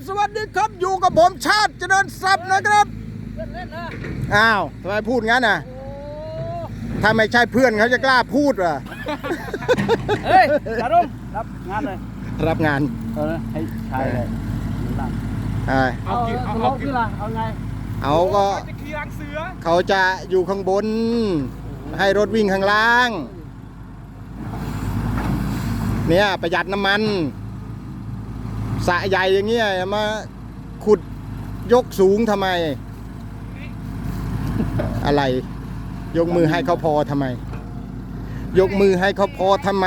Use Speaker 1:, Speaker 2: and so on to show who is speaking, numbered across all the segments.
Speaker 1: สวัสดีครับอยู่กับผมชาติเจริญทรัพย์นะครับ
Speaker 2: เล่นนะ
Speaker 1: อ้าวทำไมพูดงั้นน่ะถ้าไม่ใช่เพื่อนเขาจะกล้าพูดเหรอ
Speaker 2: เฮ้ยจารุมรับงานเลย
Speaker 1: รับงาน
Speaker 2: ให้ชายเลยเอากี่ล่ะเอาไง
Speaker 1: เอาก็เขาจะอยู่ข้างบนให้รถวิ่งข้างล่างเนี่ยประหยัดน้ำมันสระใหญ่อย่างเงี้ยมาขุดยกสูงทำไมอะไรยกมือให้เขาพอทำไมยกมือให้เขาพอทำไม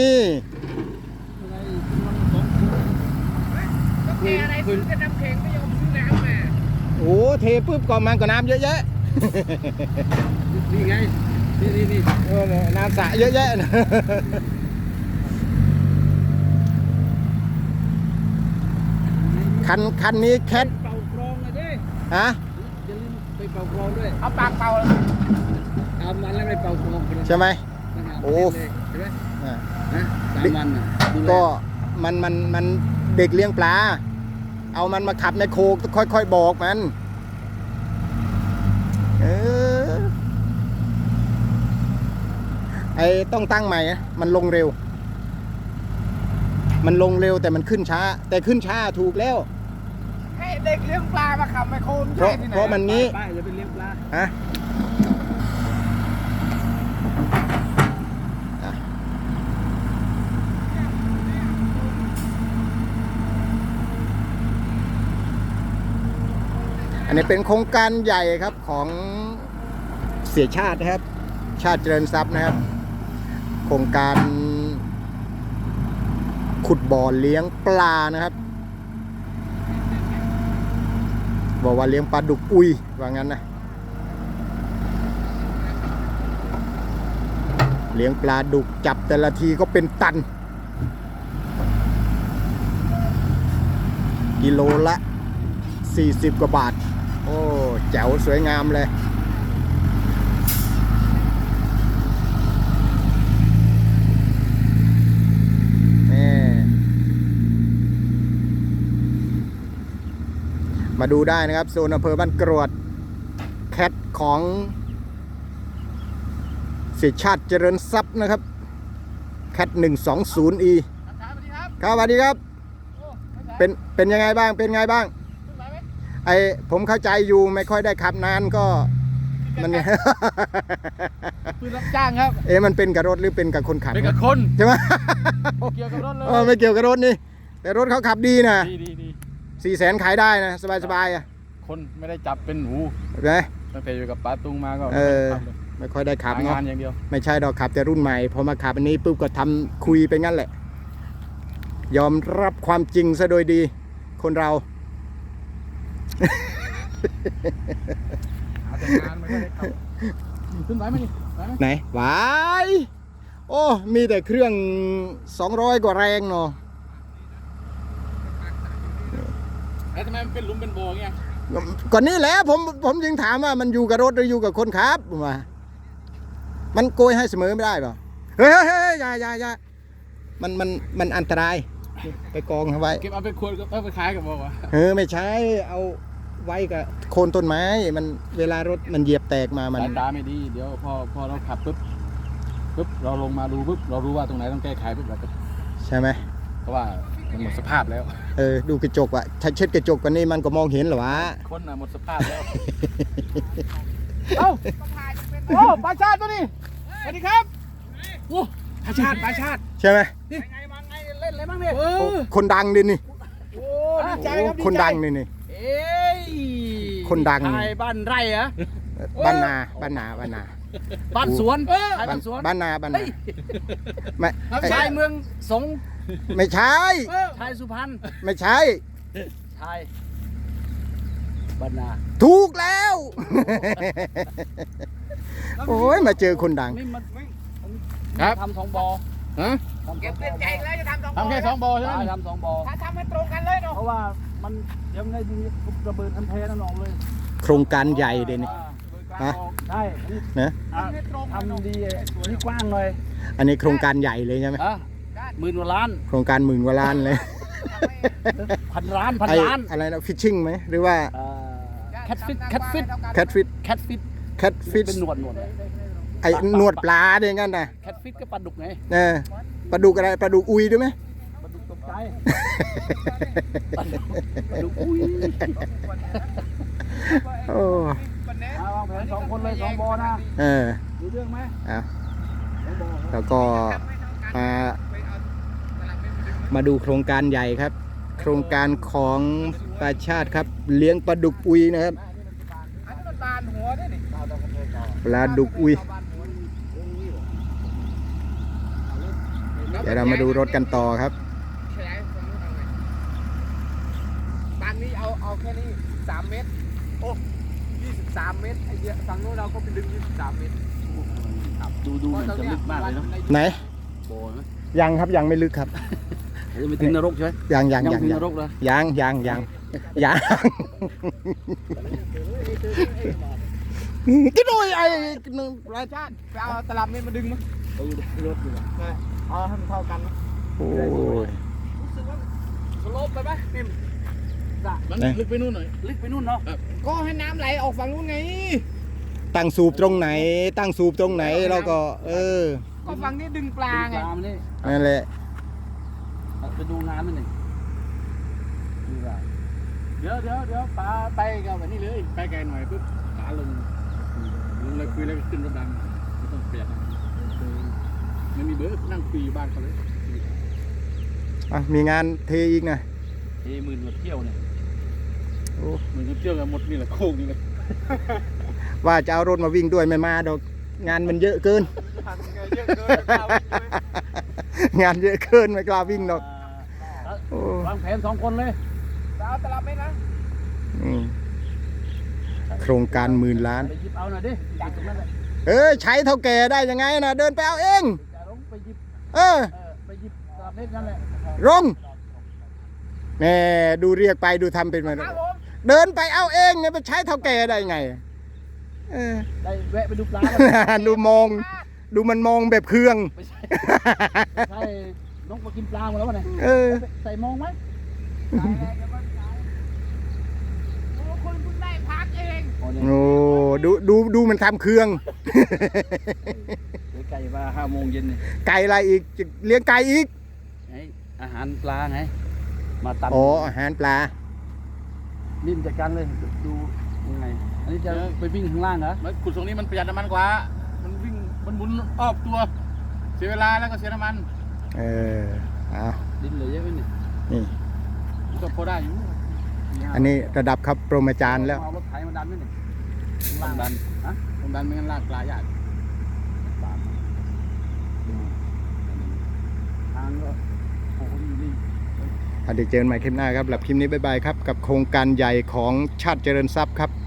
Speaker 2: อะไรซื้อจะน้ำแข็งไม่ยอมซื้อน้ำมา
Speaker 1: โอ้เทปุ๊บก่อนมันก็น้ำเยอะแยะ
Speaker 2: นี่ไงนี่
Speaker 1: น้ำสระเยอะแยะนะคันนี้แคท
Speaker 2: เป่ากรองเลยดิ
Speaker 1: ฮะ
Speaker 2: อย่าลืมไปเป่ากรองด้วยเอาปากเป่าเอามันแล้วไปเป่ากรอง
Speaker 1: ใช่ไหมโอ้
Speaker 2: ใช่ไหมนะ3 วัน
Speaker 1: ก็มันเด็กเลี้ยงปลาเอามันมาขับในโคกค่อยๆบอกมันไอ้ต้องตั้งใหม่มันลงเร็วแต่มันขึ้นช้าแต่ขึ้นช้าถูกแล้ว
Speaker 2: ให้เด็กเลี้ยงปลามาขับไมโคร
Speaker 1: เพราะมันงี้
Speaker 2: ป้าอย่าไปเลี้ยงปลา
Speaker 1: ฮะอันนี้เป็นโครงการใหญ่ครับของเสียชาตินะครับชาติเจริญทรัพย์นะครับโครงการขุดบ่อเลี้ยงปลานะครับบอกว่าเลี้ยงปลาดุกอุยว่างั้นนะเลี้ยงปลาดุกจับแต่ละทีก็เป็นตันกิโลละ40 กว่าบาทโอ้แจ๋วสวยงามเลยมาดูได้นะครับโซนอำเภอบ้านกรวดแคทของเสียชาติเจริญทรัพย์นะครับแคท120E ครับสวัสดีครับเป็นยังไงบ้างเป็นไงบ้างไอผมเข้าใจอยู่ไม่ค่อยได้ขับนานก็มันเนี่ย
Speaker 2: คือรับจ้างครับ
Speaker 1: มันเป็นกับรถหรือเป็นกับคนขับ
Speaker 2: เป็นกับคน
Speaker 1: ใช่ไหม
Speaker 2: เกี่ยวกับรถเลย
Speaker 1: ไม่เกี่ยวกับรถนี่แต่รถเขาขับดีนะ
Speaker 2: ดี
Speaker 1: 400,000ขายได้นะสบายอ่ะ
Speaker 2: คนไม่ได้จับเป็นหนู
Speaker 1: ไง
Speaker 2: ตั้งแต่อยู่กับป้าตุงมาก็
Speaker 1: ไม่ค่อยได้ขับ
Speaker 2: เนาะอย่างเดียว
Speaker 1: ไม่ใช่ดอกขับแต่รุ่นใหม่พอมาขับอันนี้ปุ๊บก็ทำคุยไปงั้นแหละยอมรับความจริงซะโดยดีคนเรา
Speaker 2: ขึ้นไหวไหมนี่
Speaker 1: ไหนไหวโอ้มีแต่เครื่อง200 กว่าแรงเนาะ
Speaker 2: แล้วทำไมมันเป็นหลุมเป็นบ่อเงี้ย
Speaker 1: ก่อนนี้แหละผมยังถามว่ามันอยู่กับรถหรืออยู่กับคนขับว่ามันโกยให้เสมอไม่ได้เปล่าเฮ้ยอย่ามันอันตรายไปกองเอาไว้
Speaker 2: เก็บเอาไปควรเอาไปขายกับบอกว่า
Speaker 1: ไม่ใช่เอาไว้กับโคนต้นไม้มันเวลารถมันเหยียบแตกมามัน
Speaker 2: สายตาไม่ดีเดี๋ยวพอเราขับปุ๊บเราลงมาดูปุ๊บเรารู้ว่าตรงไหนต้องแก้ไขปุ๊บเราก็
Speaker 1: ใช่ไหม
Speaker 2: เพราะว่ามันหมดสภาพแล้ว
Speaker 1: ดูกระจกว่ะถ้าเช็ดกระจกกว่านี้มันก็มองเห็นหรอวะ
Speaker 2: คนหมดสภาพแล้วเอ้าโอ้ปลาชาติตัวนี้สวัสดีครับโอ้ปลาชาติ
Speaker 1: ใช่ไหม
Speaker 2: มาไงเล่นอะไรบ้างเนี่ย
Speaker 1: คนดังดินี่
Speaker 2: โอ้ดีใจครับ
Speaker 1: คนดังนี่คนดัง
Speaker 2: ไทยบ้านไร่เหรอ
Speaker 1: บ้านนา
Speaker 2: บ้านสวน
Speaker 1: บ้านนา
Speaker 2: ไม่ชายเมืองสง
Speaker 1: ไม่ใช่
Speaker 2: ชายสุพรรณ
Speaker 1: ไม่ใช่
Speaker 2: ชายบ้านนา
Speaker 1: ถูกแล้วโอ้ยมาเจอคนดัง
Speaker 2: ครับทำ2 บ่อ
Speaker 3: เก็บเงินใจแล้วจะทำ
Speaker 2: แค่2 บ่อใช่ไหมทำ2 บ่อ
Speaker 3: ถ้าทำให้ตรงกันเลยเนาะ
Speaker 2: เพราะว่ามันยังไงดีระเบิดอันเทนั่นออกเลย
Speaker 1: โครงการใหญ่เด่นฮะ
Speaker 2: ใช่
Speaker 1: นะ
Speaker 2: ทำดีนี่กว้างเลย
Speaker 1: อันนี้โครงการใหญ่เลยใช่ไหม
Speaker 2: 10,000 กว่าล้าน
Speaker 1: โครงการ10,000 กว่าล้านเลย
Speaker 2: พันล้านพัน
Speaker 1: ไอ้
Speaker 2: ล้าน
Speaker 1: อะไรนะฟิชชิ่งไหมหรือว่า
Speaker 2: แคทฟิตแคทฟิต
Speaker 1: แคทฟิต
Speaker 2: แคทฟิต
Speaker 1: แคทฟิช
Speaker 2: เป็นหนวดเลย
Speaker 1: ไอ้หนวดปลาเนี่ยงั้นนะ
Speaker 2: แคทฟิตก็ปลาดุกไง
Speaker 1: เออปลาดุกอะไรปลาดุกอุยด้วยไหม
Speaker 2: ปลาดุกตกใจปลาดุกอุ้ย
Speaker 1: โอ้
Speaker 2: เอาวางแผน2 คนเลย2 บอนะ
Speaker 1: เออ
Speaker 2: รู้เรื่องไหม
Speaker 1: เอา
Speaker 2: 2 บอ
Speaker 1: แล้วก็มาดูโครงการใหญ่ครับ โครงการของประชาติครับ เลี้ยงปลาดุกอุยนะครับ
Speaker 3: อันนี้มันบานหัวด้วยนี่
Speaker 1: ปลาดุกอุย เดี๋ยวเรามาดูรถกันต่อครับ
Speaker 3: ขยายฝั่งนู้นเอาไงบานนี้เอาแค่นี้3 เมตรโอ้23 เมตรไอ้เดียฝั่งนู้นเราก็ไปดึง23 เมตร
Speaker 2: ดูมันจะลึกมากเลยเนาะ
Speaker 1: ไหน
Speaker 2: โบยไหม
Speaker 1: ยังครับยังไม่ลึกครับ
Speaker 2: จะไม่ถึงนรกใช่ไหม
Speaker 1: ยังยัง
Speaker 2: ยัง
Speaker 1: ยัง
Speaker 2: ถึง
Speaker 1: ยั
Speaker 2: น
Speaker 1: ง
Speaker 2: รกเลย
Speaker 1: ยังกินโอ้ยไอ้หนึ่ง
Speaker 3: รายชาติไปเอาตลับเมตรมาดึงมั้ง
Speaker 2: ไปอยู่ในรถอยู่
Speaker 3: เอาให้มันเท่ากันนะ
Speaker 1: โอ้ย
Speaker 3: รู้สึกว่าสโลปไปไหมนิ่ม
Speaker 2: มันลึกไปนู่นหน่อยลึกไปนู่นเนาะ
Speaker 3: ก็ให้น้ำไหลออกฝั่งนู้นไง
Speaker 1: ตั้งสูบตรงไหน ตั้งสูบตรงไหนเราก็
Speaker 3: ก็ฝั่งนี้ดึงปลาไง
Speaker 2: ตามนี่
Speaker 1: นั่นแหละ
Speaker 2: ไปดูงานมันหนึ่งเดี๋ยวปลาไปกับแบบนี้เลยไปไกลหน่อยปุ๊บขาลงเลยคุยแล้วขึ้นรถดำไม่ต้องเปลี่ยนไม่มีเบอร์นั่งคุยอยู่บ้านเขาเลย
Speaker 1: มีงานเทอีกนะ
Speaker 2: หมื่นกว่าเที่ยวเนี่ย
Speaker 1: โอ้
Speaker 2: หมื่นกว่าเที่ยวกันหมดนี่แหละโค้งนี่เลย
Speaker 1: ว่าจะเอารถมาวิ่งด้วยไม่มาดอกงานมันเยอะเกิน
Speaker 3: เยอะเกิน
Speaker 1: งานเยอะเกินไม่กล้าวิ่งดอกโอ้
Speaker 2: วางแผน2 คนเลย
Speaker 3: เอาตลับเมตรนะ
Speaker 1: อืมโครงการ10,000,000,000
Speaker 2: ไปหยิบเอาหน่อยดิจากตรงนั้นแหละ
Speaker 1: ใช้เท่าแก่ได้ยังไงนะเดินไปเอาเอง
Speaker 2: จะลงไปหยิบ
Speaker 1: ไปหยิบ
Speaker 2: ตามเม็ดนั่นแหละ
Speaker 1: ลงแหมดูเรียกไปดูทำเป็นมา
Speaker 3: ครับผม
Speaker 1: เดินไปเอาเองเนี่ยไปใช้เท่าแก่ได้ไงเออ
Speaker 2: ได้แวะไปดูปลา
Speaker 1: ดูมอง ดูมันมองแบบเครื่อง
Speaker 2: ไม่ใช่ใช่น้องมากินปลาหมดแล้ววะเนี่ย ใส่มองไหม
Speaker 3: โอ้คุณเพิ่งได้พักเอง
Speaker 1: โอ้ดูมันทำเครื่อง
Speaker 2: ไก่มา5 โมงเย็นเนี่ย
Speaker 1: ไก่อะไรอีกจะเลี้ยงไก่อีก
Speaker 2: อาหารปลาไงมาตัด
Speaker 1: อ๋ออาหารปลา
Speaker 2: นิ่มจัดการเลยดูยังไงอันนี้จะไปวิ่งข้างล่างเหรอ
Speaker 4: มันขุดตรงนี้มันประหยัดน้ำมันกว่า มันวิ่ง มันหมุนรอบตัว เสียเวลาแล้วก็เสียน้ำมัน
Speaker 1: เอา
Speaker 2: ดินเหลือเยอะไหมเนี่ย
Speaker 1: นี่
Speaker 4: มันก็พอได้อยู่
Speaker 1: อันนี้ระดับครับโปรมาจารย์แล้ว
Speaker 2: เอารถไถมาดันไหมเนี่ย
Speaker 4: ต้องดัน
Speaker 2: ฮะ
Speaker 4: ต้องดันไม่งั้นลากปลายาก
Speaker 2: ทางก็โอ้โหนี่
Speaker 1: เดี๋ยวเจอกันใหม่คลิปหน้าครับสำหรับคลิปนี้บ๊ายบายครับ กับโครงการใหญ่ของชาติเจริญทรัพย์ครับ